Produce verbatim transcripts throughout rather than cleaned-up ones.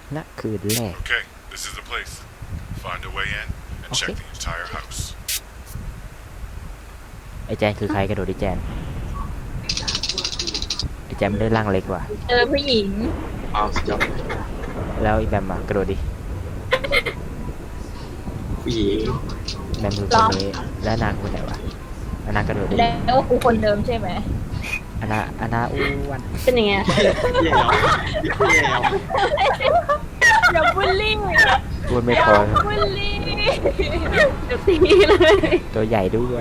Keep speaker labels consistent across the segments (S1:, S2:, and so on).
S1: ณคืนแรก
S2: Okay, this is the place. Find a way in and check
S1: Okay.
S2: the entire house.
S1: ไอ้แจนคือใครกระโดดดิแจนไอ้แจนมันได้ร่างเล็กว่ะ
S3: เจอผู้หญิง
S4: อ้าวสุดยอด
S1: แล้วไอ้แบมอะกระโดดดิ
S4: ผู้หญิง
S1: แบมคือคนนี้แล้วนางคนไหนวะอานากระโดดดิ
S3: แล้วกูคนเดิมใช่ไหม
S1: อานาอานาอ้วน
S5: เป็นยังไง
S4: แย่แล้วแย่แล้ว
S3: อย่าบูลลี่
S1: อ้วนไม่
S3: อย่า
S1: พอ
S3: บูลลี่
S5: เดี๋ยวตีเลย
S1: ตัวใหญ่ด้วย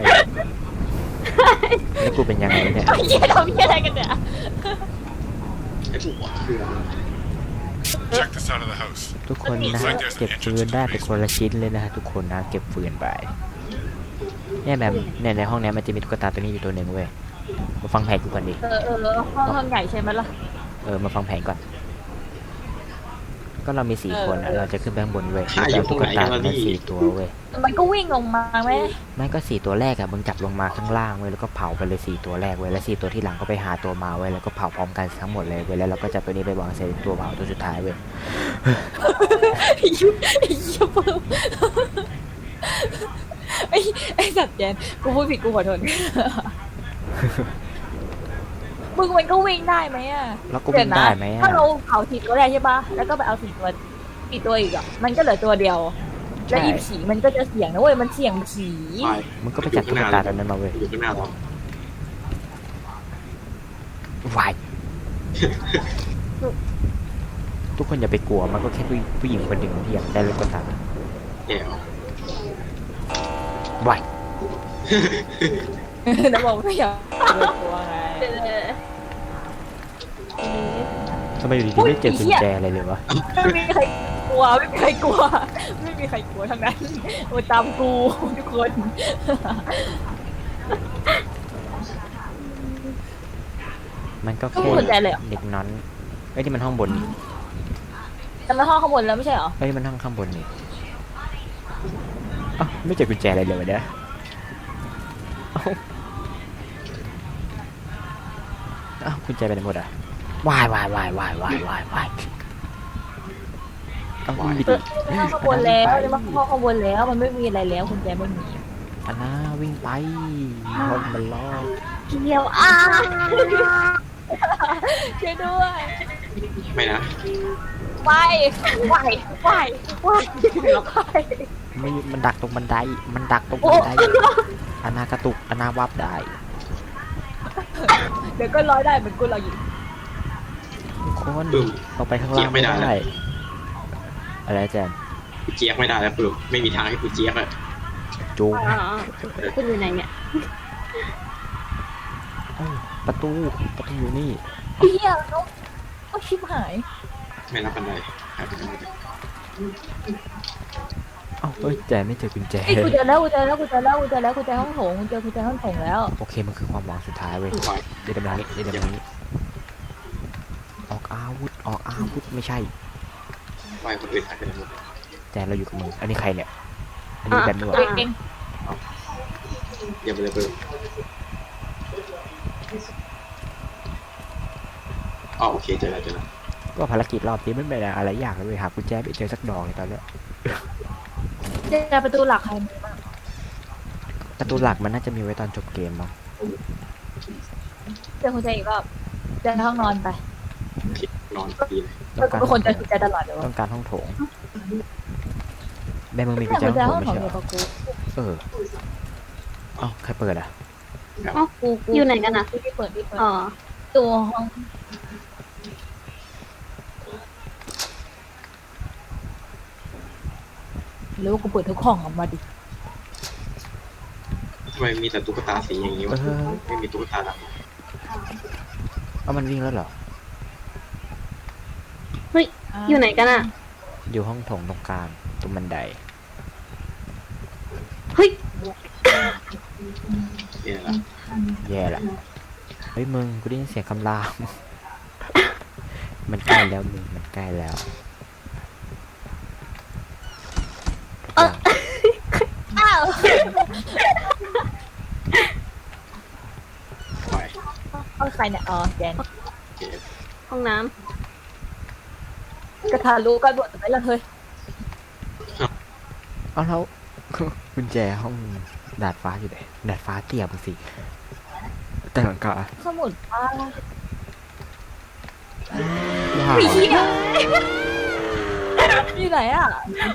S1: แล้วกูเป็นยังไงเนี่ย
S3: ไอ้เหี้ยทำเหี้ยอะไรกันเนี่ย
S4: ไอ้ผัวคืออะไร
S2: Check this out of the house.
S1: ทุกคนนะเก็บฟืนได้เป็นคนละชิ้นเลยนะฮะทุกคนนะเก็บฟืนไปเนี่ยแบบเนี่ยในห้องนี้มันจะมีตุ๊กตาตัวนี้อยู่ตัวหนึ่งเว้ยมาฟังแผนกูก่อนดิ
S3: เออเออห้องห้องใหญ่ใช่ไหมล่ะ
S1: เออมาฟังแผนก่อน ก็เรามีสี่
S3: เออ
S1: คนอะ
S3: เออ
S1: เราจะขึ้นไปข้างบนเว้ย
S4: หาอยู่
S1: แล้วตุ๊กตา
S4: ตรงไหนกันวะ
S1: มา
S4: พี่
S1: สี่ตัวเว้ย
S3: มันก็วิ่งลงมาไหม
S1: ไม่ก็สี่ตัวแรกอะมึงจับลงมาข้างล่างเว้ยแล้วก็เผาไปเลยสี่ตัวแรกเว้ยแล้วสี่ตัวที่หลังก็ไปหาตัวมาเว้ยแล้วก็เผาพร้อมกันทั้งหมดเลยเว้ยแล้วเราก็จับตัวนี้ไปวางใส่ตัวเผาตัวสุดท้ายเว้ย
S3: ไอ้ยุไอ้เหี้ยเพิ่มไอ้ไอ้สัตว์แจนกูพูดผิดกูขอโทษมึงมันก็วิ่งได้ไหมอ่ะ
S1: แล้วก็วิ่งได้ไหมอะ
S3: ถ้าเราเผาสี่ตัวแรกใช่ปะแล้วก็ไปเอาสี่ตัวอีกตัวอีกอ่ะมันก็เหลือตัวเดียว แล้วอีผีมันก็จะเสี่ยงนะเว้ยมันเสี่ยงผี
S4: ไป
S1: มึงก็ไปจับตุ๊กตาตัวนั้นมาเว้ย
S4: อยู่ข้างหน้าเรา
S1: วายทุกคนอย่าไปกลัวมันก็แค่ผู้ผู้หญิงคนหนึ่งที่อยากได้ตุ๊กตา
S4: แย่แล้ว
S1: วาย
S3: แล้วบอกไม่อยากเปิดตัวไง
S1: ทำไมอยู่ดีๆไม่เจอกุญแจอะไรเลยวะ
S3: ไม่มีใครกลัวไม่มีใครกลัว ไม่มีใครกลัวทั้งนั้นโอ้ยตามกูทุกคน
S1: มันก็
S3: ต้อง
S1: แค่
S3: สนใจเลยเหรอ
S1: เด็กน้อนเอ้ยนี่มันห้องบนนี่
S3: แต่มาห้องข้างบนแล้วไม่ใช่เหรอ
S1: เอ้ยมันห้องข้างบนนี่อ้าวไม่เจอกุญแจอะไรเลยวะเนี่ยเอ้าเอ้ากุญแจไปไหนหมดอ่ะวายวายวายวายวายวายวายต้องวิ่งไปดิ
S3: ห้องข้างบนแล้วจะมาห้องข้างบนแล้วมันไม่มีอะไรแล้วคุณแจไม่มี
S1: อันน่าวิ่งไปห้องมันล็อก
S5: เกี่ยวอ่ะ
S3: ช่วยด้วย
S4: ไม่นะ
S3: ไปไปไปไปไป
S1: ไม่มันดักตรงบันไดมันดักตรงบันไดอันนากระตุกอันนาวับได้
S3: เดี๋ยวก็ร้อยได้เหมือนกูเราอยู่
S1: ทุกคน
S4: ปึ้ม
S1: เราไปข้างล่างไม่
S4: เจี๊ยบไม่ได้
S1: ได้อะไรแจน
S4: กูเจี๊ยกไม่ได้แล้วปึ้มไม่มีทางให้กูเจี๊ยกอะ
S1: จูง
S5: อ๋อคุณอยู่ไหนเนี่ย
S1: เอ้าประตูประตูอยู่นี่
S3: เฮียเขาเขาชิบหาย
S4: ไม่รับบันไดหายไปไหนหมดเลย
S1: เอ้าเอ้ยแจนไม่เจอกุญแจ
S3: ไอ้ยกูเจอแล้วกูเจอแล้วกูเจอแล้วกูเจอแล้วกูเจอห้องโถงกูเจอกูเจอห้องโถงแล้ว
S1: โอเคมันคือความหวังสุดท้ายเว้ย
S4: ไป
S1: เดี๋ยวเดี๋ยวมานี้เดี๋ยวเดี๋ยวมานี้ออกอาวุธออกอาวุธไม่ใช่
S4: ไปคนอื่นหายไปไหนหมดเลย
S1: แจนเราอยู่กับมึงอันนี้ใครเนี่ยอันนี้
S5: อ่ะ
S1: แบนด้วย
S3: ตัวเอง
S4: เดี๋ยวไปเลยปึ้มอ๋อโอเคเจอแล้วเจอแล้ว
S1: ก็ภารกิจรอบนี้ไม่เป็นอะไรยากเลยเว้ยหากุญแจไม่เจอสักดอกเลยตอนเนี้ย
S3: เจอประตูหลักใคร
S1: ประตูหลักมันน่าจะมีไว้ตอนจบเกมมั้ง
S3: เจอคุณแจอีกรอบเจอห้องนอนไป
S4: โอเคนอนดีเลย
S1: ต้องการ
S3: เป็นคนเจอคุณแจตลอดเลยวะ
S1: ต้องการห้องโถงแม่มึงมีกุญแจ
S3: คุณแจ
S1: ห้อง
S3: ห้
S1: โถ
S3: อง
S1: ง
S3: โถ
S1: ไม่
S3: ง
S1: ใช่
S3: เดี
S1: เห
S3: ย
S1: ร
S3: ว
S1: อ
S3: กับกู
S1: เออเอ้าใครเปิดอ่ะ
S5: อ๋ออยู่ไหนกันอ่ะ
S3: ที่เปิดที่เปิด
S5: อ๋อ
S3: ตัวห้องหรือว่ากูเปิดทุกห้องออกมาดิ
S4: ทำไมมีแต่ตุ๊กตาสีอย่างนี้
S1: เอ
S4: วะ
S1: อ
S4: ไม่มีตุ๊กตาด
S1: เอามันวิ่งแล้วเหรอ
S5: เฮ้ย อยู่ไหนกันอ่ะ
S1: อยู่ห้องโถงตรงกลางตรงบันได
S5: เฮ้ย
S4: ำเนี่ยละ
S1: แย่ละเฮ้ยมึงกูได้ยินเสียงคำราม มันใกล้แล้วมึงมันใกล้แล้ว
S5: เออ
S3: อ้าว
S4: ไป
S3: เอาใครเนี่ยอ๋อแจน
S4: โอเค
S5: ห้องน้
S3: กระทารู้กันหมดไปแล้วเฮ้ย
S1: เอาแล้ว กุญแจห้องดาดฟ้าอยู่ไหนดาดฟ้าเตี้ยมึงสิแต่หลังคา
S3: สมุดป้า
S1: ว้าว
S3: ไอ้เหี้ยอยู่ไหนอ่ะ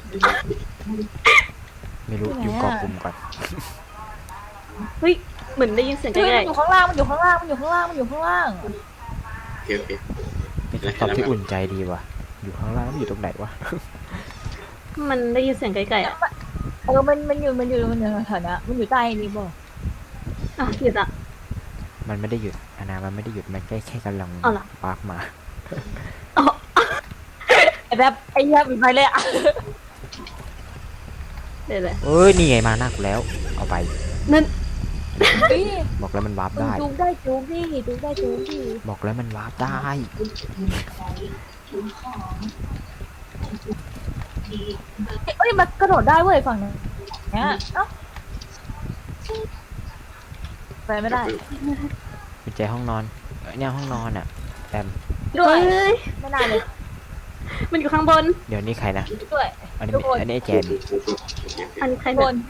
S1: ไม่รู้
S3: อยู่
S1: อยู่
S3: ไหน
S1: เกาะ
S3: อะ
S1: กลุ่มก่อน
S5: เฮ้ยเหมือนได้ยินเสียงใก
S3: เฮ้ย
S5: ล้
S3: มันอยู่ข้างล่างมันอยู่ข้างล่างมันอยู่ข้างล่างมันอยู่ข้างล่าง
S4: โอเคโอเค
S1: เป็นคำตอบที่อุ่นใจดีว่ะ อยู่ข้างล่างมันอยู่ตรงไหนวะ
S5: ๆมันได้ยินเสียงไกลๆอ่ะ
S3: เออมันมันอยู่มันอยู่มันอยู่แถวๆนี้มันอยู่ใต้นี้บ่
S5: อ่ะหยุดอ่ะ
S1: มันไม่ได้หยุดอานามันไม่ได้หยุด มันแค่แค่กำลัง
S5: เอาล่ะ
S1: ปาร์กมา
S5: อ๋อ
S3: ไอ้แบบไอ้เหี้ยปิดไปเลยอ่ะ
S5: เดี๋ยวเลย
S1: เอ้ย นี่ไงมาหน้ากูแล้ว เอาไป
S5: นั่น
S3: เฮ้ย
S1: บอกแล้วมันวาร์ป
S3: มึง
S1: ได้
S3: จูงได้จูงดิจูงได้จูงดิ
S1: บอกแล้วมันวาร์ปได้
S3: เอ้ยมันกระโดดได้เว้ยฝั่งนี้เนี่ยเอ้าไปไม่ได้
S1: กุญแจห้องนอนเอ้ยเนี่ยห้องนอนอ่ะแอม
S3: ด้ว
S5: เฮ้
S3: ย
S5: ย
S3: ไม่ได้เลย
S5: มันอยู่ข้างบน
S1: เดี๋ยวนี้ใครนะ
S3: ด้วย
S1: อันนี้
S3: ทุกคน
S1: อันนี้ไอ้แจน
S4: โอเคโอเค
S5: อันนี้ใคร
S3: บ
S5: เนี่ย
S3: น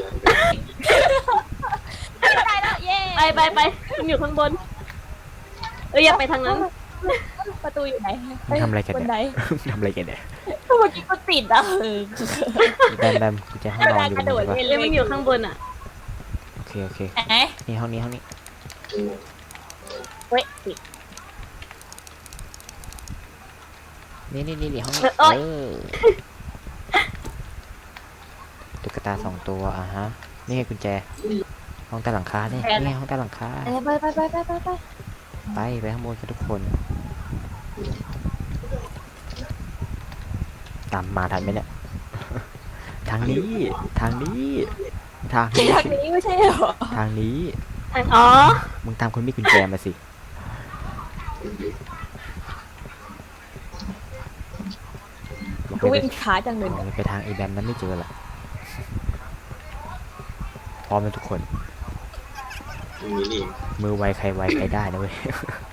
S3: ไม่ได้แล้วเย้
S5: ไปไปไปมันอยู่ข้างบน เอ้ยอย่าไปทางนั้น
S3: ประตูอยู่ไหน
S1: มึงทำอะไรกัน
S3: บน
S1: เนี่ย
S3: ไหน
S1: ทำอะไรกันเนี่ย
S3: เมื่อกี้ก็ติดอ่ะเออ
S1: แบมแบมกุญแจห้องนอนอยู่ตรงนี้ปะ
S5: เอ้ยมันอยู่ข้างบนอ่ะ
S1: โอเคโอเค
S3: แหม
S1: นี่ห้องนี้ห้องนี้
S3: เว้ยติด
S1: นี่นี่นี่นี่ห้องนี้
S5: เอ้ย
S1: เออตุ๊กตาสองตัวอ่ะฮะ นี่ไงกุญแจ ห้องใต้หลังคาเนี่ยนี่ไงห้องใต้หลังคา
S3: เอ้ยไปไปไปไปไปไป
S1: ไปไปข้างบนกันทุกคน ตามมาทันไหมเนี่ย ทางนี้ ทางนี้ ทางนี้
S3: ทางนี้ไม่ใช่เหรอ
S1: ทางนี้
S5: อ๋อ
S1: มึงตามคนมีกุญแจมาสิบอก
S3: กู
S1: เลย
S3: วิ่งช้าจังเลย
S1: บอกเลยไปทางไอแบมนั้นไม่เจอหรอกพร้อมแล้วทุกคน
S4: ตรงนี้นี่เอง
S1: มือไวใครไวใครได้นะเว้ย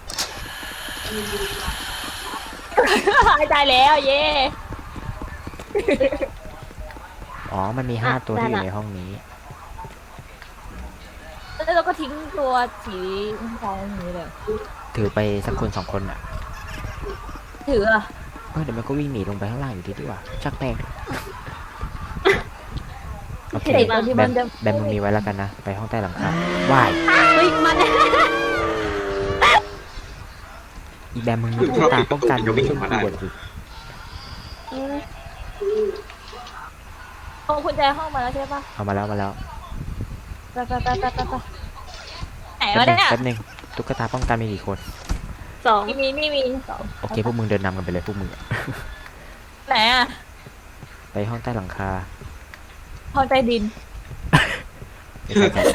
S3: ได้แล้วเย้
S1: อ๋อ มันมีห้า
S5: อ่ะ
S1: ตัวที่อ
S5: ได้
S1: ยู่
S5: ละ
S1: ในห้องนี้
S3: แล้วเราก็ทิ้งตัวสีทองอย่างนี้เลย
S1: ถือไปสักคนสองคนอ่ะ
S3: ถืออะ
S1: เออเดี๋ยวมันก็วิ่งหนีลงไปข้างล่างอยู่ดีดีกว่า ชักแม่งโอเค
S3: เด็กเราที่
S1: แบ
S3: มั
S1: ม
S3: นจะ
S1: แบมมึงมีไว้แล้วกันนะ ไปห้องใต้หลังคาว่าย
S5: เฮ้ยมาแล้ว
S1: อีแบมมึงมีตุ๊กตาป้องกันมึงไม่ช่วยกูบ่นสิ
S3: เอากุญแจห้องมาแล้วใช่ปะ
S1: เอามาแล้วมาแล้ว
S3: ไปไปไปไปไปไปไหน
S1: แป๊บ
S3: วะ
S1: นึง
S3: เนี่ย
S1: แป๊บนึงตุ๊กตาป้องกันมีกี่คน
S5: สอง
S3: มีมีมีมีสอง
S1: โอเคพวกมึงเดินนำกันไปเลยพวกมึงอะ
S3: ไหนอะ
S1: ไปห้องใต้หลังคา
S3: ห้องใต้ดิน
S1: ไม่ใช่กัน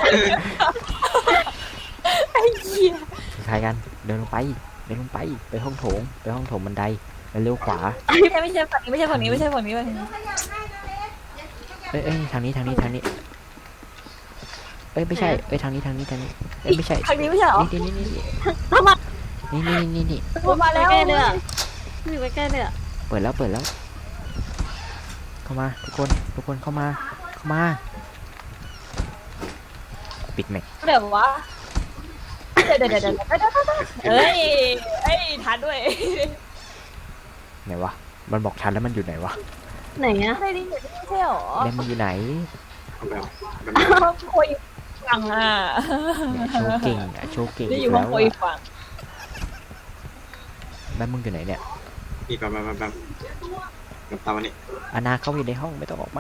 S3: ไอ้เหี้ย
S1: คล้ายๆกัน เดินลงไป เดินลงไป ไปห้องโถง ไปห้องโถงบันได แล้วเลี้ยวขวา
S3: ไม่ใช่ไม่ใช่ฝั่งนี้ไม่ใช่ฝั่งนี้ไม่ใช่ฝั่งนี้ไม่ใช่ฝั่งนี้
S1: เอ้ยเอ้ยทางนี้ทางนี้ทางนี้ เอ้ยไม่ใช่ เอ้ยทางนี้ทางนี้ทางนี้ เอ้ยไม่ใช่
S3: ทางนี้ไม่ใช่เหรอ
S1: นี่นี่นี่นี่
S5: ทำไม
S1: นี่นี่นี่นี่
S3: มันมาแล้ว
S5: ใกล้เลยอ่ะอยู่ใกล้ๆเลยอ่ะ
S1: เปิดแล้วเปิดแล้ว เข้ามาทุกคนทุกคนเข้ามาเข้ามา ปิดแม็ก
S3: เดี๋ยววะเดี๋ยวเดี๋ยวเดี๋ยวเดี๋ยวเดี๋ยวเอ้ยเอ้ยทันด้วย
S1: ไหนวะ มันบอกทันแล้วมันอยู่ไหนวะ
S5: ไหนอ่ะ
S3: ใต้ดินอยู่นี่ไม่ใช่เหรอ
S1: แบมมันอยู่ไหน
S4: เอาแบบแบบ
S3: ห้องคุยฝั่งอ่ะ
S1: เนี่ยโชว์เก่งอะโชว์เก่ง
S3: นี่
S1: อี
S3: อยู่
S1: ก
S3: ห้อ
S1: แล้
S3: ง
S1: ว
S3: คุย
S1: อะ
S3: ฝั่ง
S1: แบมมึงอยู่ไหนเนี่ย
S4: นี่แบบแบบแบบแบบแบบตามวันนี้
S1: อานาเข้าไปในห้องไม่ต้องออกมา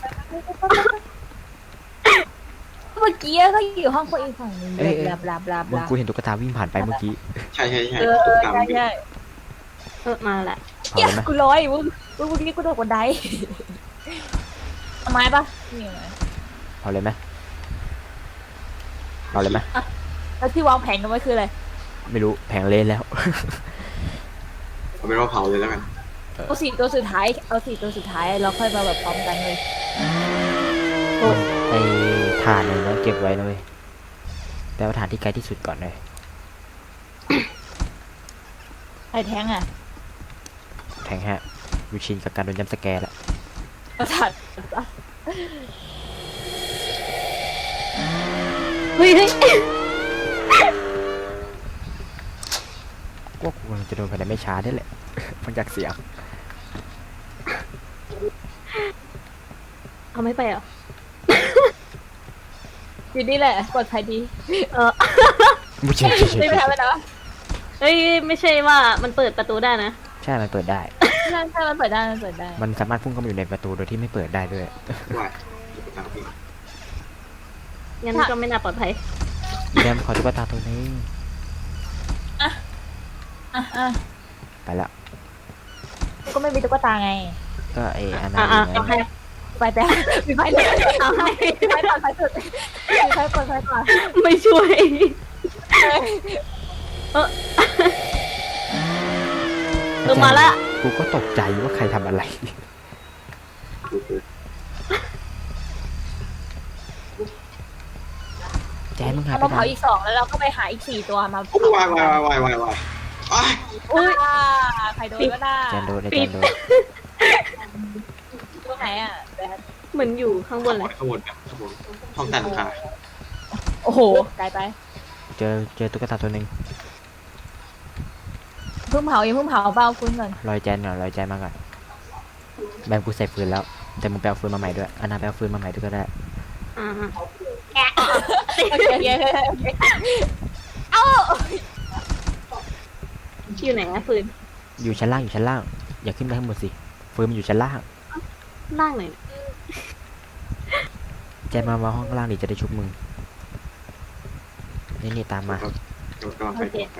S3: เมื่อกี้ก็อยู่ห้องคุยฝั่งนึง
S1: เอ้ยเอ้ย
S3: บลาบลาบลาบ
S1: มึง
S3: ลา
S1: กูเห็นตุ๊กตาวิ่งผ่านไปเมื่อกี้
S4: ใช่ใช่ใช่
S3: เออ
S4: ตุ๊กตา
S3: ใช่
S4: มันอยู่
S3: ใช่
S5: เออมาแล้ว
S1: เผา
S3: เหี้ย
S1: เลยไหม
S3: กูร้อยมึงมึงเมื่อกี้กูโดดบันไดเอาไม้ปะนี่ไง
S1: เผาเลยไหมเผาเลยไหม
S3: แล้วที่วางแผนกันไว้คืออะไร
S1: ไม่รู้แผงเละแล้ว
S4: เอาเป็นว่าเผาเลยแล้วกัน
S3: เอาสี่ตัวสุดท้ายเอาสี่ตัวสุดท้ายเราค่อยมาแบบพร้อมกันเลย
S1: ไอ้ถ่านเนี่ยนะเก็บไว้นะเว้ยแต่ว่าฐานที่ไกลที่สุดก่อนเลย
S3: ไอ้แท้งอ่ะ
S1: แทงฮะกูชินกับการโดนย้ำสแกร์แล้ว
S3: ประสาท
S5: เฮ้ยเฮ้ย
S1: ว่ากูกำลังจะโดนภายในไม่ช้าได้แหละ ฟังจากเสียง
S5: เอาไม่ไปเหรอ
S3: อยู่นี่แหละปลอดภัยดี
S5: เออ
S1: ไม่ใช่ไม่ใช่
S3: ไม่
S1: ไม่
S3: ไป
S1: ใช่
S3: ทำไปนะ
S5: เฮ้ยไม่ใช่ว่ามันเปิดประตูได้นะ
S1: ใช่มันเปิดได้
S3: ใช่ใช่มันเปิดได้มันเปิดได้
S1: มันสามารถพุ่งเข้ามาอยู่ในประตูโดยที่ไม่เปิดได้ด้วย
S4: ว่ายตุ๊กตาพี่
S5: งั้นก็ไม่น่าปลอดภัย
S1: อีแดมขอตุ๊กตาตัวนี้
S3: อ่ะอ่ะ
S1: ไปแล้ว
S3: ก็ไม่มีตุ๊กตาไง
S1: ก็ไออันนั้
S5: อ่ะ
S1: น
S5: อ่ะ
S1: ไง
S5: เอาให้
S3: ไปแต่มีไฟเลย
S5: เอาให้
S3: มีไฟปลอดภัยสุดมีไฟปลอดภัยกว่า
S5: ไม่ช่วย เออเออมาละ
S1: กูก็ตกใจว่าใครทำอะไร
S4: ดูดู
S1: แจนมึงหาย
S3: เอา
S1: ไป
S3: มา
S1: ไหน
S3: เผาอีกสองแล้วเราก็ไปหาอีกสี่ตัวมา
S4: โอ้ยวายวายวายวายวายอ้าย
S3: อุ้ยใครโดนก็ได้
S1: แจนโดนไอแจนโดน
S3: ตรงไหนอ่ะแบท
S5: เหมือนอยู่ข้างบนเลย
S4: ข้างบนครับข้างบนห้องแต่งค่ะ
S3: โอ้โหไกลไป
S1: เจอเจอตุ๊กตาตัวหนึ่ง
S3: เพิ่งเผายังเพิ่งเผาเบาคุณก่อน
S1: รอยแจนก่อนรอยแจนมาก่อนแบมกูใส่ฟืนแล้ว แต่มึงไปเอาฟืนมาใหม่ด้วยอันนาไปเอาฟืนมาใหม่ด้วยก็ได้
S5: อ่า
S3: โอเคโอเคโอเคเอ้า
S5: อยู่ไหนอะฟืน
S1: อยู่ชั้นล่างอยู่ชั้นล่าง อย่าขึ้นไปข้างบนสิฟืนมันอยู่ชั้นล่าง
S5: ล่างไหนอย
S1: แจนมามาห้องล่างดิจะได้ชุบมึงนี่นี่ตามมา
S4: กำลังไปกำลังไป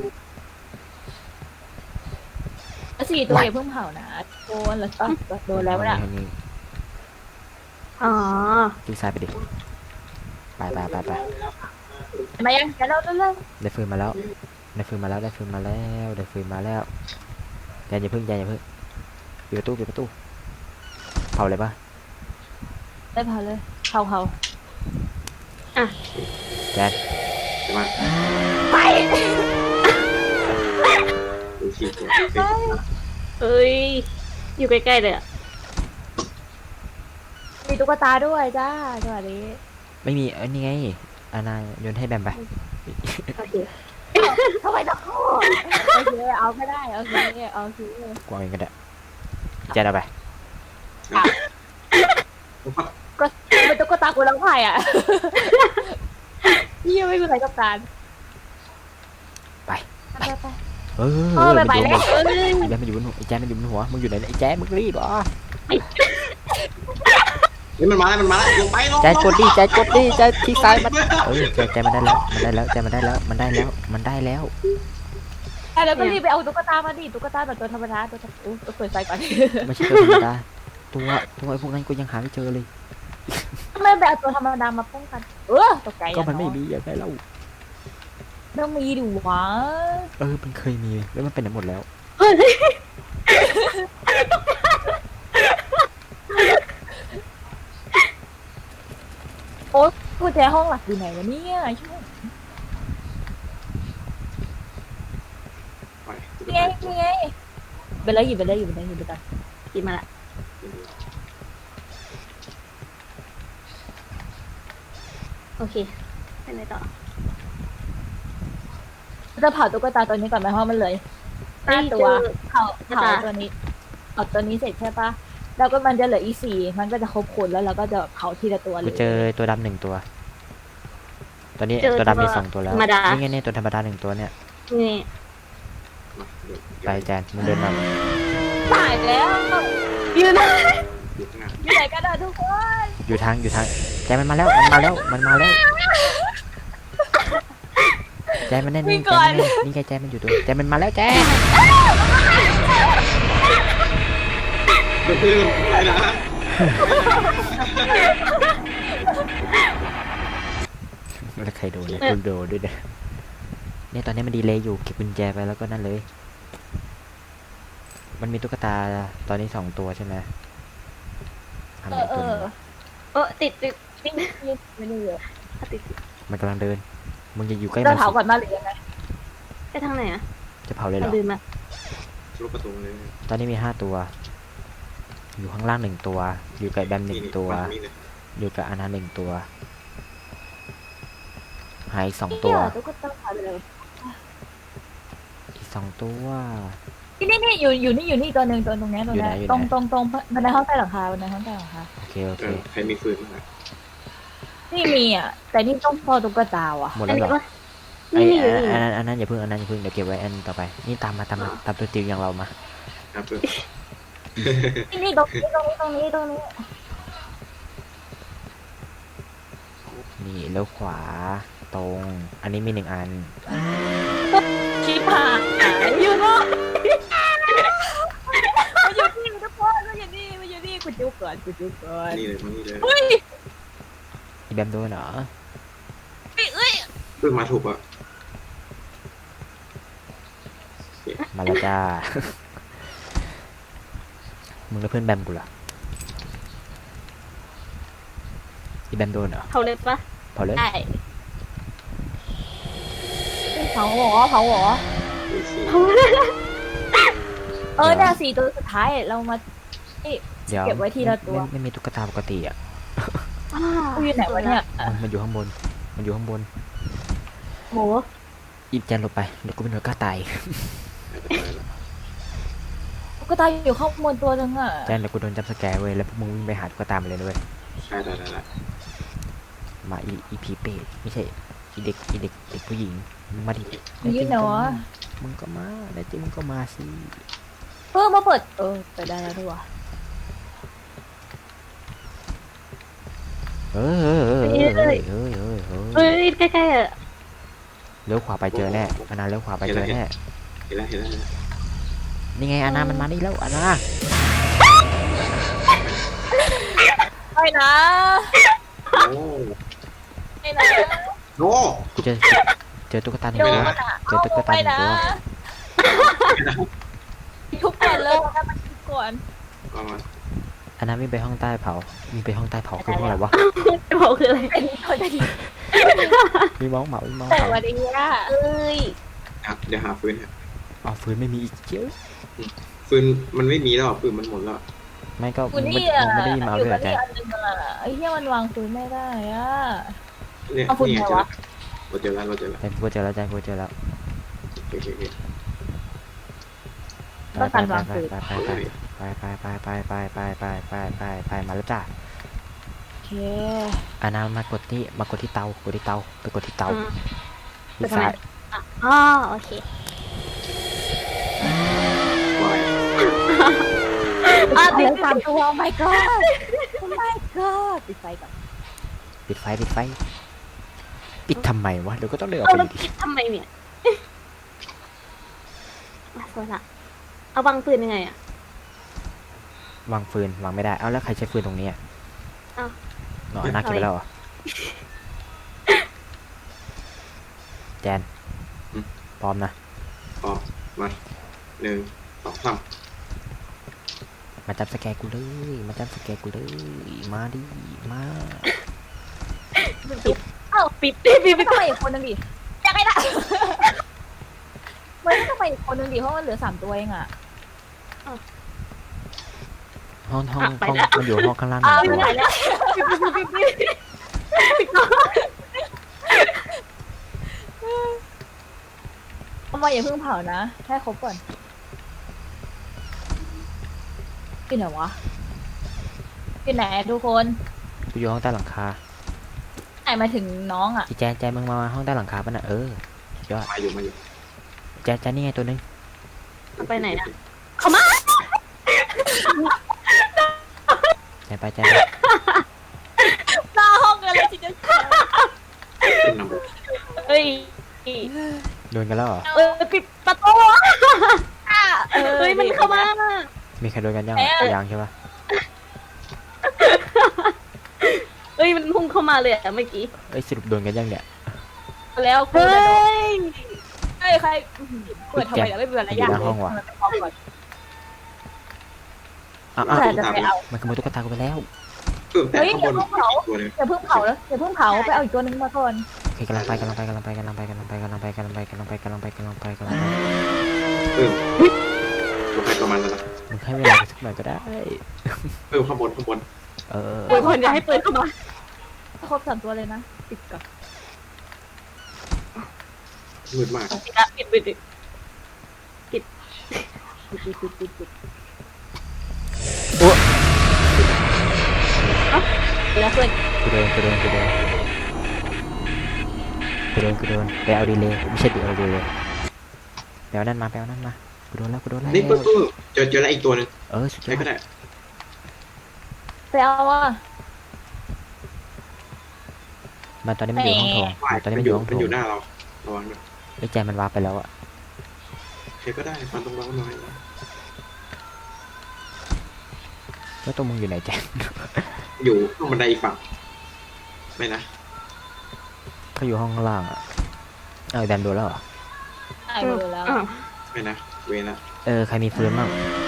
S3: สี่ตัวอย่าเพิ่งเผานะโดนแล้วก็โดนแล้วนะ
S1: เอานี่
S5: อ๋อ
S1: จิ้งซ้ายไปดิไปไปไปไป
S3: มายังจะเล่าเรื่อง
S1: ได้ฟืนมาแล้วได้ฟืนมาแล้วได้ฟืนมาแล้วได้ฟืนมาแล้วแจนอย่าเพิ่งแจนอย่าเพิ่งปิดประตูปิดประตูเผาเลยปะ
S3: ได้เผาเลยเผาเผา
S1: แจน
S4: ใช่ไหม
S3: ไป
S4: ดูสี่ตัว
S5: เอ้ย อยู่ใกล้ๆเลยอะ
S3: มีตุ๊กตาด้วยจ้าสวัสดี
S1: ไม่มีเอ้ยนี่ไงอานาโยนให้แบมไป
S5: โอเค
S3: ทำไมต้องโอเคเอาไม่ได้โอเคเอาคือก
S1: วางเองก็ได้แจนเอาไป
S3: ก็เป็นตุ๊กตากูแล้วไผ่อ่ะพี่ยังไม่มีใครต้องการ
S1: ไป
S3: ไปไป
S1: เออ
S3: เออไปไป
S1: มัน
S3: แล้
S1: อยู่
S3: ว
S1: บนหัวไอ้แจนมันอยู่บนหัวไอ้แจนมันอยู่บนหัวมึงอยู่ไหนเนี่ยไอ้แจนมึงรีบเหรอ
S4: เฮ้ยมันมาแล้วมันมาแล้วลงไปลง
S1: แจนกดดิแจนกดดิแจนที่ซ้ายมันเออแจนแจนมันได้แล้วมันได้แล้วแจนมันได้แล้วมันได้แล้วมันได้แล้ว
S3: แล้วก็รีบไปเอาตุ๊กตามาดิตุ๊กตาแบบตัวธรรมดาตัวธรรมดาตัวเปิดไฟก่อน
S1: ไม่ใช่ตัวธรรมดาตัวตัวไอ้พวกนั้นกูยังหาไม่เจอเลย
S3: ทำไมไปเอาตัวธรรมดามาป้องกันเออตกใจ
S1: ก็มันไม่มีอย่างไรเล่า
S3: ต้องมีดิวะ
S1: เออมันเคยมีแล้วมันเป็นไหนหมดแล้ว
S3: โอ๊ยกุญแจห้องหลักอยู่ไหนวะเนี่ยช่วย
S4: ไปตุ๊ก
S3: นี่ไง
S4: ตา
S3: นี่ไงไปเลยหยิบไปเลยหยิบไปเลยหยิบไปก่อน
S5: กินมาละ โอเคไปไหนต่อ
S3: จะเผาตุ๊กตาตัวนี้ก่อนไหมเพราะมันเลยห้าตัว
S5: เจอ
S3: เผาเผาตัวนี้เผาตัวนี้เสร็จใช่ปะแล้วก็มันจะเหลืออีกสี่มันก็จะครบคนแล้วเราก็จะเผาทีละตัวเล
S1: กู
S3: ย
S1: เจอตัวดำหนึ่งตัว ตอนนี้
S5: เจอ
S1: ตัวดำมี
S5: ตัว
S1: สองตัวแล้ว
S5: ธรรมดา
S1: นี่ไงเนี่ยตัวธรรมดาหนึ่งตัวเนี่ย
S5: นี่
S4: มาเดี๋ยว
S1: ไปแจนมึงเดินมา
S3: ตายแล้ว
S5: ยืนนะ
S4: อยู่ข้างหน้า
S3: อยู่ไหนกันอะทุกคน
S1: อยู่ทางอยู่ทางแจนมันมาแล้วมันมาแล้วมันมาแล้วแจนมันแน่นี่แจนมันแน่นี่ไงแจนมันอยู่ตัวแจนมันมาแล้วแจน
S4: เพื่อนไปนะ
S1: แล้วใครโดนเนี่ยกูโดนด้วยเนี่ยเนี่ยตอนนี้มันดีเลยอยู่เก็บกุญแจไปแล้วก็นั่นเลย มันมีตุ๊กตาตอนนี้สองตัวใช่ไหมทำ
S3: เอ
S1: อะไร
S3: อเอ
S1: ตัว
S3: อ
S1: นึงวะ
S5: เออติดติด
S3: นี่นี่ไม่ได้เยอะ
S5: ติดติด
S1: มันกำลังเดินมึงจะอยู่ใกล้
S3: เรา
S1: มัน
S3: เผา
S1: สิ
S3: ก่อนมาหรือยังไง
S5: ไปทางไหนอะ
S1: จะเผาเลยเหร
S5: เอา
S1: อ
S5: ลืมมา
S4: ลูกประตูเลย
S1: ตอนนี้มีห้าตัวอยู่ข้างล่างหนึ่งตัว อยู่กับแบมหนึ่งตัว
S4: ฝั่นี่เลย
S1: อยู่กับอานาหนึ่งตัว หายอีกสอง
S3: ตั
S1: ตัว ว
S3: ตุ๊กตาหายไปเลย
S1: อีกสองตัว
S3: นี่นี่นี่อยู่อยู่นี่อยู่นี่ตัวหนึ่งตัวตรงเนี้ยตรงเนี้ย
S1: อยู่ไหนอยู่ไหน
S3: ตรงตรงตรงบันไดห้องใต้หลังคาบันไดห้องใต้หลังคา
S1: โอเคโอ
S4: เอ
S1: เค
S4: อใครมีฟืนบ้างอะ
S3: นี่มีอ่ะ แต่นี่ต้องพอตุ๊กตาว่ะ
S1: หมด
S5: อัน
S1: แล้วเหร
S5: นี้
S1: อ
S5: วะ
S1: ไอ้
S5: นี่นี่
S1: อันนั้นอันนั้นอย่าเพิ่งอันนั้นอย่าเพิ่งเดี๋ยวเก็บไว้อันต่อไป นี่ตามมาตามมาตามตัวติวอย่างเรามา
S4: ครับเพื่อน
S3: นี่นี่ตรงนี้ตรงนี้ตรงนี้ตรงนี้
S1: นี่เลี้ยวขวาตรง อันนี้มีหนึ่งอัน
S3: ชิบหายอยู่เนาะมาอยู่นี่ทุกคนมาอยู่นี่มาอยู่นี่กูจุกก่อนกูจุกก่อน
S4: นี่เลยมานี่เลย
S3: เฮ้ย
S1: อีแบมโดนเหรอ
S3: เอ้ย
S4: เพื่อนมาถูกอ่ะ
S1: มาแล้วจ้า มึงแล้วเพื่อนแบมกูล่ะอีแบมโดนเหรอ
S5: เขาเลยปะ
S1: พอเลย
S3: ได้เผาหรอเผาหรอ
S4: ดูสิ
S3: เออเนี่ยสี่ตัวสุดท้ายเรามา
S1: เดี๋ยว
S3: เก็บไว้ทีละตัว
S1: ไม่ไม่ไม่มีตุ๊กตาปกติอ่ะ
S3: กูอยู่ไหนวะเนี่ย
S1: มันมันอยู่ข้างบน มันอยู่ข้างบน
S5: โห
S1: อีแจนหลบไป เดี๋ยวกูเป็นหน่วยกล้าตาย
S3: ตุ๊กตาอยู่ข้างบนตัวนึงอ่ะ
S1: แจนเดี๋ยวกูโดนจับสแกร์เว้ย แล้วพวกมึงวิ่งไปหาตุ๊กตามาเลยด้วย
S4: ใช่ได้ได้ได้
S1: มาอีอีผีเปรตไม่ใช่ อีเด็กอีเด็กเด็กผู้หญิงมึงมาดิ
S3: มึงอยู่ไหนวะ
S1: มึงก็มาได้จริงมึงก็มาสิ
S3: เพิ่มมาเปิดเออเปิดได้แล้วด้วยวะ
S1: เฮ้ยเฮ้ยเฮ้ยเฮ้ยเฮ้ยเฮ้ยเฮ้ยเฮ้
S5: เฮ้
S1: ย
S5: ยใกล้ๆอ่ะ
S1: เลี้ยวขวาไปเจอแน่อานาเลี้ยวขวาไปเจอแน่
S4: เห็นแล้วเห็นแล้วเห็นแล้ว
S1: นี่ไงอานามันมานี่แล้วอานา
S3: ไปนะ
S4: โอ้
S3: ไปนะ
S4: โน
S1: กูเจอเจอตุ๊กตาหนึ่
S3: โด
S1: ง
S3: น
S1: ตัว
S3: อ่ะ
S1: เจอตุ๊กตาห
S3: ไป
S1: นึ่ง
S3: นะ
S1: ตัว
S3: ทุบก่อนเลยนะมันทุบก่อน
S4: เอามา
S1: อานาวิ่งไปห้องใต้เผามีไปห้องใต้เผาคือห้องอะไรวะ
S5: จะบอกคืออะไร
S3: เป็นคนดี
S1: มีมองเหมามีมอง
S3: แต่
S1: เผา
S3: วันนี้อ่ะ
S5: เอ้ย
S4: อ่ะเดี๋ยวหาฟืนฮะ
S1: เอาฟืนไม่มีอีกเจ้า
S4: ฟืนมันไม่มีแล้วฟืนมันหมดแล้ว
S1: ไม่ก็
S3: กู
S1: มึง
S3: นี่
S1: ไม่
S3: อ่ะ
S1: มึงไม่ได้ยินมาเอา
S3: อยู่
S1: ด้วยเหร
S3: กั
S1: อบ แจ
S3: นี่
S1: น
S3: อันนึงอ่ะไอ้เหี้ยมันวางปืนไม่ได้อ่ะ
S4: เนี่ย
S3: เอาฟืน
S4: นี่ไง
S3: ไหน
S4: เจอ
S3: วะ
S4: แล้วเราเจอแล้วเราเจอแล้ว
S1: แจนกูเจอแล้วแจนกูเจอแล้ว
S4: โอเคโอเค
S3: ต้องการวางปืน
S1: ไปไปไปไปไปไปไปไปไปไปไปไปมาแล้วจ้า
S3: โอเค
S1: อานามากดที่มากดที่เตากดที่เตาไปกดที่เตา
S5: อืม
S1: ที่ซ้าย
S5: อ๋อโอเค
S4: วาย
S3: อ่ะติดสามตัว oh my god oh my god ปิดไฟก่อน
S1: ปิดไฟปิดไฟปิดทำไมวะเดี๋ยวก็ต้องเดินออก
S5: เอา
S1: ไป
S5: แล้ว
S1: ดิ
S5: คิดทำไมเนี่ยมาโซละเอาวางปืนยังไงอ่ะ
S1: วางฟืนวางไม่ได้เอาแล้วใครใช้ฟืนตรงนี้อ่ะ
S5: อ้าว
S1: เนาะอานาเก็บไปแล้วเหรอแจนพร้อมนะ
S4: ออกมาหนึ่งสองสาม
S1: มาจับสแกนกูเลยมาจับสแกนกูเลยมาดิมา
S3: เอ้า
S5: ปิดปิดปิด
S3: ไม่ต้องไปอีกคนนึงดิอยากให้ได้มันต้องไปอีกคนนึงดิเพราะมันเหลือสามตัวเองอ่ะ
S1: ห้องห้องห้องมันอยู่ห้องข้างล่างห
S3: อ้าว
S1: นึ่ง
S3: ไป
S1: ตัว
S3: ไหนแล้ว
S5: ปิดปิดปิดปิด
S3: เอามาอย่าเพิ่งเผานะให้ครบก่อนที่ไหนวะที่ไหนทุกคน
S1: กูอยู่ห้องใต้หลังคา
S3: ไหนมาถึงน้องอ่ะ
S1: อีแจนแจนมึงมาห้องใต้หลังคาป่ะน่ะเออยอด
S4: มาอยู่มาอยู่
S1: แจนแจนนี่ไงตัวนึง
S5: เอาไปไหนนะ
S1: แจนไปแจนไป
S3: หน้าห้องกันเลยทีเดียว
S4: ขึ้นนำไป
S5: เอ้ย
S1: โดนกันแล้วเหรอ
S5: เออปิดประตูเฮ้ยมันเข้ามา
S1: มีใครโดนกันยังยังใช่ปะ
S5: เอ้ยมันพุ่งเข้ามาเลยอะเมื่อกี้
S1: เอ้ยสรุปโดนกันยังเนี่ย
S3: แล้วกู
S5: เฮ้
S3: จะโดน
S5: ย
S3: เฮ้ยใครเปิดทำไมล่ะไม่เปิดอะไรอย่าง
S1: อยู่หน้าห้องว่ะ อ้าวอ้าว
S3: แต่จะไปเอา
S1: มันขโมยตุ๊กตากูไปแล้ว
S4: เออแต่ข้างบนอีกตัวหนึง
S3: อย่าเพิ่งเผาแล้วอย่าเพิ่งเผาไปเอาอีกตัวนึงมาก่อน
S1: โอเคกำลังไปกำลังไปกำลังไปกำลังไปกำลังไปกำลังไปกำลังไปกำลังไปกำลังไปกำลังไปกำลังไปกำลังไป
S4: เออตัวใครตัวมันแล้วนะ
S1: มึงให้เวลากูสักหน่อยก็ได้
S4: เพิ่มข้างบนข้างบน
S1: เออ
S5: โอ้ยคนอย่าให้ปืนเข้ามา
S3: ครบสามตัวเลยนะปิดก่อน
S4: มืดมาก
S5: ปิดละปิดปิดปิด
S3: ปิดปิดปิดปิดปิด
S5: ปิดละเพื่อน
S1: กูโดนกูโดนกูโดนกูโดนกูโดนไปเอาดีเลยไม่ใช่ไปเอาดีเลยไปเอานั่นมาไปเอานั่นมากูโดนแล้วกูโดนแล้ว
S4: นี่ปุ๊บปุ๊บเจอเจอแล้วอีกตัวหนึง
S1: เออสุดย
S4: ใช้
S1: อ
S4: ก็
S1: ด
S4: ได้
S3: ไปเอาว่ะ
S1: มันตอนนี้มันอยู่ห้องโถง
S4: ว่าย
S1: ตอนนี้
S4: มั
S1: มัน น
S4: อ
S1: อยู่ ยู่ห้อง
S4: มัน
S1: โถ
S4: อง ยู่หน้าเราระวังด้วย
S1: ไอ้แจมันวาร์ปไปแล้วอะ
S4: ใช้ก็ได้ฟันตรงเราหน่อย
S1: แล้วตัวมึงอยู่ไหนแจ
S4: อยู่ข้างบันไดอีกฝั่งไม่นะ
S1: เขาอยู่ห้องข้างล่างอะเอาไอ้แดมโดนแล้วเหรอ
S3: ตายไปแล้ว
S5: อ่ะ
S4: ไม่นะเวรละ
S1: เออใครมีฟืนบ้าง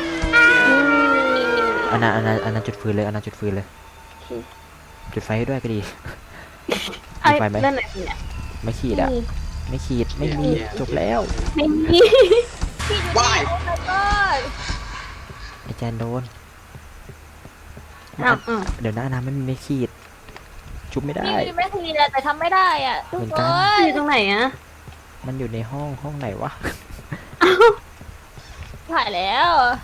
S1: อันนั้นอันนั้นอันนั้นจุดฟืนเลยอันนั้นจุดฟืนเลย จุดไฟให้ด้วยก็ดี
S5: ไอ้
S1: มีไฟไหม
S5: นั่นไหนเนี่ย
S1: ไม่ขีดอะไม่ขีดไม่มีจบแล้ว
S5: ไม่มี
S4: ว่าย
S3: ก็
S1: ไอ้แจนโดน
S5: อ้าวอ้าว
S1: เดี๋ยวนะน้ำไม่มีไม่ขีด ชุบไม่ได้
S3: นี่ไม่ทีแต่ทำไม่ได้อ่ะทุก
S1: เหมือน
S3: ค
S1: กัน
S3: น
S5: อยู่ตรงไหนอะ
S1: มันอยู่ในห้องห้องไหนวะ
S3: ถ่ายแล้ว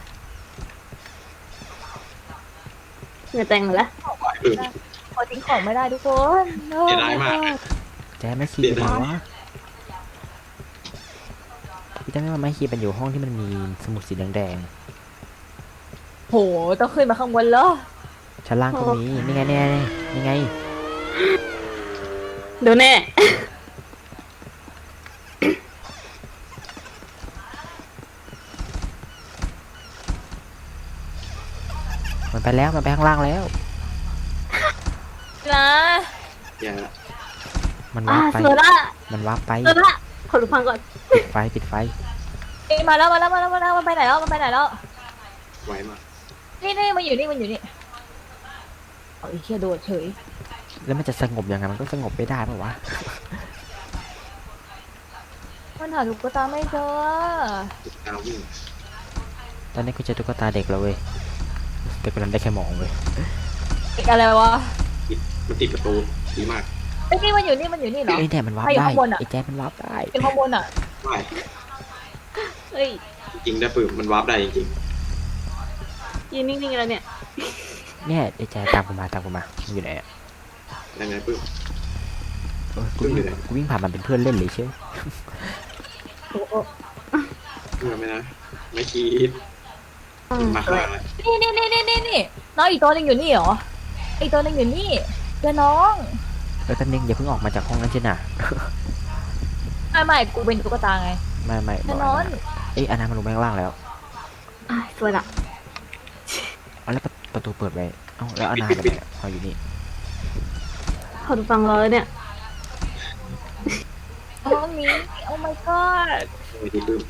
S5: เหงื่อแตงหมดแล้ว
S4: เออ
S3: พอทิ้งของไม่ได้ทุกคน
S4: เสียดายมาก
S1: แจนไม่ขีด
S4: เดี๋ยว
S1: เหร
S4: นะ
S1: อวะพี่จำได้ว่าไม่ขีดมันอยู่ห้องที่มันมีสมุดสีแดง
S3: โหต้องขึ้นมาข้างบนเหรอ
S1: ๆชั้นล่างก็มีนี่ไงนี่ไงนี่ไง
S5: เดี๋ยวแน่
S1: มันไปแล้วมันไปข้างล่างแล้ว
S3: นะ
S4: อย่าละ
S1: มัน
S5: อ่าว
S1: าร์ปไป
S5: เสือละ
S1: มันวาร์ปไป
S5: เสือละขอดูฟังก่อน
S1: ปิดไฟปิดไฟ
S3: เอ้ยมาแล้วมาแล้วมาแล้วมาแล้วมันไปไหนแล้วมันไปไหนแล้ว
S4: ไหวมาก
S3: นี่นี่มันอยู่นี่มันอยู่นี่เอาไอ้เชี่ยโดดเฉย
S1: แล้วมันจะสงบยังไงมันก็สงบไม่ได้ปะวะ
S3: มันหาตุ๊กตาไม่เจอ
S4: ติดตามวิ่ง
S1: ตอนนี้กูเจอตุ๊กตาเด็กแล้วเว้ยแต่กูนั้นได้แค่มองเว้ย
S3: อีกอะไรวะ
S4: ติดมันติดประตูดีมาก
S3: ไอ้ยนี่มันอยู่นี่มันอยู่นี่เหรอ
S1: ไอ้แจมันวาร์ป
S3: ใครอยู่
S1: ได้
S3: ข้างบนอะ
S1: ไอ้แจมันวาร์ปได้
S3: เป็นข้างบนอ่ะ
S4: ว่าย
S5: เฮ้ย
S4: จริงๆได้ปืนมันวาร์ปได้จริง
S5: ยืนนิ่งๆแล้วเนี่ย
S1: เนี่ยไอ้แจตามกูมาตามกูมามันอยู่ไหนอะ
S4: ๆยังไงปืน
S1: เออกู
S4: ขึ้น
S1: วิ่ง
S4: อยู่ไหน
S1: กูวิ่งผ่านมันเป็นเพื่อนเล่นเลยเชียว
S3: โอ้โห
S4: เพื่อไหมนะไม่คิด
S5: อืม
S4: มาข้างหลังเลย
S3: นี่นี่นี่นี่นี่นี่น้องอีกตัวหนึงอยู่นี่เหรออีกตัวหนึงอยู่นี่เจอน้อง
S1: เออแป๊บนึงอย่าเพิ่งออกมาจากห้องนั้นใช่น่ะ
S3: ไม่ไม่กูเป็นตุ๊กตาไง
S1: ไม่ไม่
S3: เจ
S1: บ
S3: อ
S1: อก
S3: น้อง
S1: อันนั้นเอ้ยอันนั้นมันลงไปข้างล่างแล้ว
S5: อ่ะสวยละ
S1: เอาแล้วประประตูเปิดไว้เอ้าแล้วอานาไปไหนอะเอาอยู่นี่
S5: ขอดูฟังรอเลยเนี่ย
S3: ห้องนี้โอ้ my god
S4: ไม่ดีปืน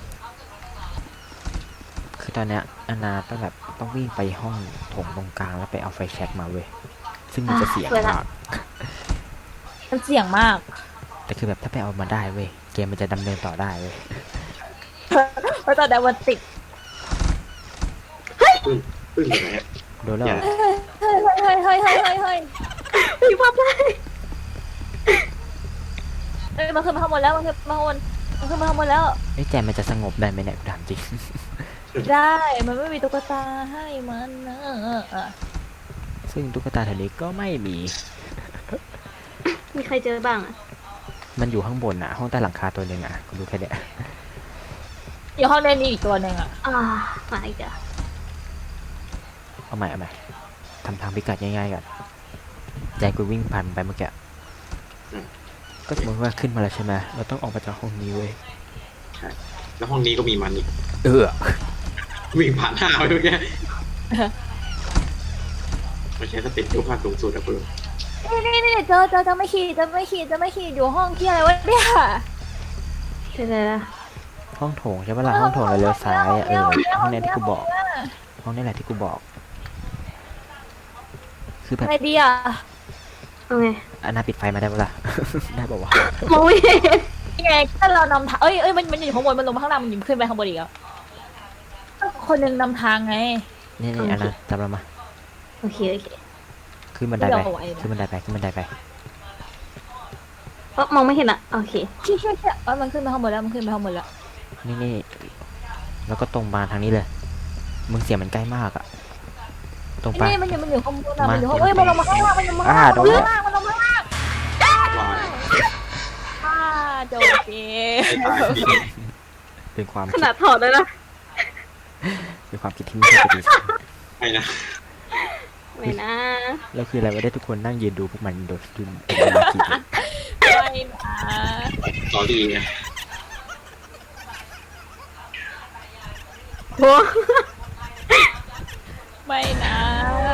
S1: คือตอนเนี้ยอานาต้องแบบต้องวิ่งไปห้องโถงตรงกลางแล้วไปเอาไฟแช็กมาเว้ยซึ่งมันจะเสียงมาก
S3: มันเสี่ยงมาก
S1: แต่คือแบบถ้าไปเอามาได้เว้ยเกมมันจะดำเนินต่อได้เว้ย
S3: เพราะตอนนั้นมันติด
S4: ปืนปืนอยู่ไหนอะ
S1: โดนแล้วเหรอ
S3: เฮ้ยเฮ้ยเฮ้ยเฮ้ยเฮ้ยเฮ้ยเฮ้ย
S5: มีภาพได้
S3: เอ้ยมันขึ้นมาข้างบนแล้วมันขึ้นมาข้างบนมันขึ้นมาข้างบนแล้ว
S1: ไอ้ยแจมมันจะสงบได้ไหมเนี่ยกูถามจริง
S3: ได้มันไม่มีตุ๊กตาให้มันนะเออเออ
S1: ซึ่งตุ๊กตาแถวนี้ก็ไม่มี
S5: มีใครเจอบ้างอ่ะ
S1: มันอยู่ข้างบนอ่ะ ห้องใต้หลังคาตัวหนึ่งอ่ะกูรู้แค่เนี้ย
S3: อยู่ห้องเล่นนี้อีกตัวหนึ่งอ่ะ
S5: อ่ามาอีกอ่ะ
S1: เอาใหม่เอาใหม่ทำทางพิกัดง่ายๆก่อนใจกูวิ่งผ่านไปเมื่อกี้ก็สมมติว่าขึ้นมาแล้วใช่ไหมเราต้องออกมาจากห้องนี้เว้ย
S4: แล้วห้องนี้ก็มีมันอีก
S1: เออ
S4: วิ่งผ่านหน้าไปเมื่อกี้มันใช้สเต็ปยกพาสูงสุดอะปืน
S3: นี่นี่นี่เจอเจอเจอไม่ขีดเจอไม่ขีดเจอไม่ขีดอยู่ห้องที่อะไรวะเนี่ย
S5: เจอแล้ว
S1: ห้องโถงใช่ปะล่ะห้องโถงแล้วเลี้ยวซ้ายอะเออห้องนี้ที่กูบอก ห้องนี้แหละที่กูบอก คือแบบ
S3: ไงดีอ่ะ
S5: เอาไง
S1: อันน่าปิดไฟมาได้ปะล่ะ ได้ปะวะ
S5: มองไม่เห็น
S3: ยังไงถ้าเรานำทางเอ้ยเอ้ยมันมันอยู่ข้างบนมันลงมาข้างล่างมันอยู่ขึ้นไปข้างบนอีกอ่ะคคนหนึ่งนำทางไง
S1: นี่นี่อันนั้นจำเรามา
S5: โอเคโอเค
S1: ขึ้นบันไดไป
S3: ไม่เอาไว้นะ
S1: ขึ้นบันไดไปขึ้นบันไดไป
S5: เออมองไม่เห็นอ่ะโอเค
S3: เชี่ยเชี่ยเชี่ยเอ้ยมันขึ้นไปข้างบนแล้วมันขึ้นไปข้างบนแล้ว
S1: นี่นี่แล้วก็ตรงมาทางนี้เลย มึงเสียงมันใกล้มากอะตรงไป
S3: นี่มันอยู่มันอยู่ข้างบนอะ
S1: มา
S3: มันอยู่ข้างเฮ้ยมันลงมาข้างล่างมันลงมาข้างล่าง
S1: อ่า
S3: มันลง
S1: โดน
S3: มาข้างล่างมันลงมาข้างล่าง
S4: วาย
S3: อ่าโจเก
S4: ไม่ตาย
S1: เป็นความ
S5: ข
S1: คิด
S5: นาดถอดแล้วนะ
S1: เป็นความคิดที่ไม่ใช่ปกติ
S4: ไม่นะ
S5: ไม่นะ
S1: แล้วคืออะไรวะได้ทุกคนนั่งยืนดูพวกมันโดดยืนเป็นเวลากี่ปี
S3: ไม่นะ
S4: สอรี่ไง
S5: โว้
S3: ไม่นะ